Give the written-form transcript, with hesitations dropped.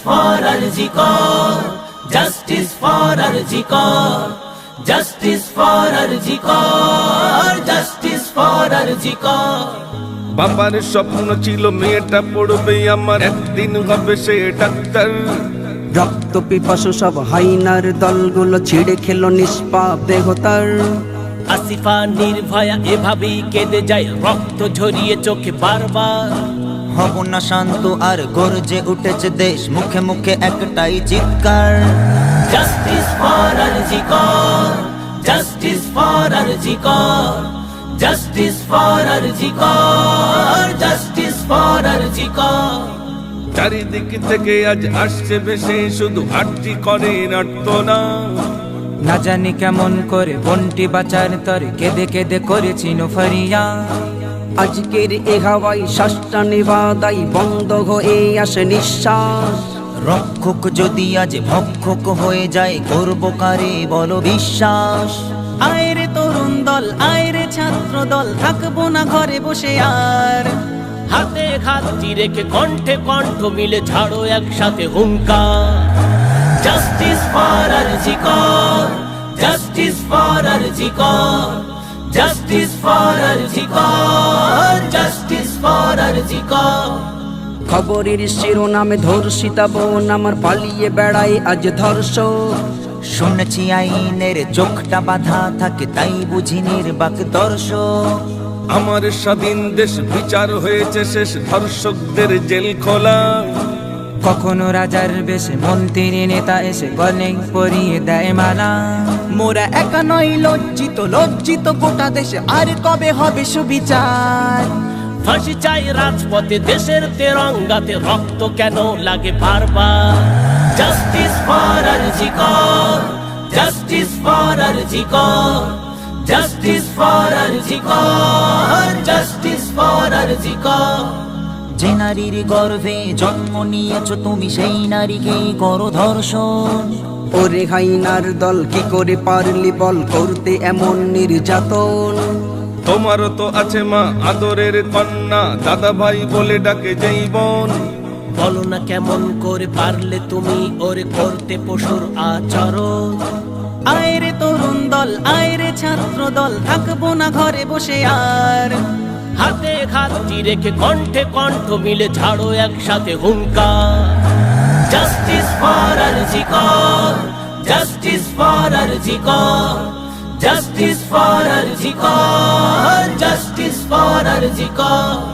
for Arjikor, justice for Arjikor, justice for Arjikor, justice for Arjikor. বাবার স্বপ্ন ছিল মেয়েটা পড়বে আমার, একদিন হবে সে ডাক্তার। রক্ত পিপাসু সব হাইনার দলগুলো ছিঁড়ে খেলো নিষ্পাপ দেহতার। আসিফা নির্ভয়া এভাবেই কেঁদে যায়, রক্ত ঝরিয়ে চোখে বারবার। হব না শান্ত আর গর্জে উঠেছে দেশ, মুখে মুখে একটাই চিৎকার। Justice for Arjikor, justice for Arjikor, justice for Arjikor, justice for Arjikor. চারিদিক থেকে আজ আসছে বেশি, শুধু আরজি করে আর্তনা। না জানি কেমন করে বন্টি বাঁচার তরে কেঁদে কেঁদে করেছি ফরিয়া। আজকের এ হাওয়াই শ্বাসটা নেবাদাই বন্ধ হয়ে আসে নিঃশ্বাস। রক্ষক যদি আজ ভক্ষক হয়ে যায়, করবো কারে বলো বিশ্বাস। আয়রে তরুণ দল, আয়রে ছাত্র দল, থাকবো না ঘরে বসে আর। হাতে হাত রেখে কণ্ঠে কণ্ঠ মিলে ছাড়ো একসাথে হুঙ্কার। Justice for Arjikor, justice for Arjikor, justice for Arjikor, justice for Arjikor. খবরের শিরোনামে ধর্ষিতা বোন আমার পালিয়ে বেড়ায় আজ ধর্ষক। শুনেছি আইনের চোখটা বাঁধা থাকে, তাই বুঝি নির্বাক দর্শক। আমার স্বাধীন দেশ বিচার হয়েছে শেষ, ধর্ষকদের জেল খোলা। কখনো রাজার বেশে মন্ত্রী নেতা এসে গলে পরিয়ে দেয় মালা। মোরা একা নয় লজ্জিত, লজ্জিত গোটা দেশে, আর কবে হবে সুবিচার। ফাঁসি চাই রাজপথে, দেশের তেরঙ্গাতে রক্ত কেন লাগে বারবার। Justice for Arjikor, justice for Arjikor, justice for Arjikor, justice for Arjikor. যে নারীর গর্ভে জন্ম নিয়েছো তুমি, সেই নারীকেই করো ধর্ষণ। ওরে হাইনার দল কি করে পারলি বল করতে এমন নির্যাতন। তোমারও তো আছে মা আদরের কন্যা, দাদা ভাই বলে ডাকে যেই বোন। বলো না কেমন করে পারলে তুমি ওরে করতে পশুর আচরণ। আয়রে তরুণ দল, আয়রে ছাত্র দল, থাকবো না ঘরে বসে আর। হাতে হাত রেখে কণ্ঠে কণ্ঠ মিলে ছাড়ো একসাথে হুঙ্কার। Justice for Arjikor, justice for Arjikor, justice for Arjikor, justice for Arjikor.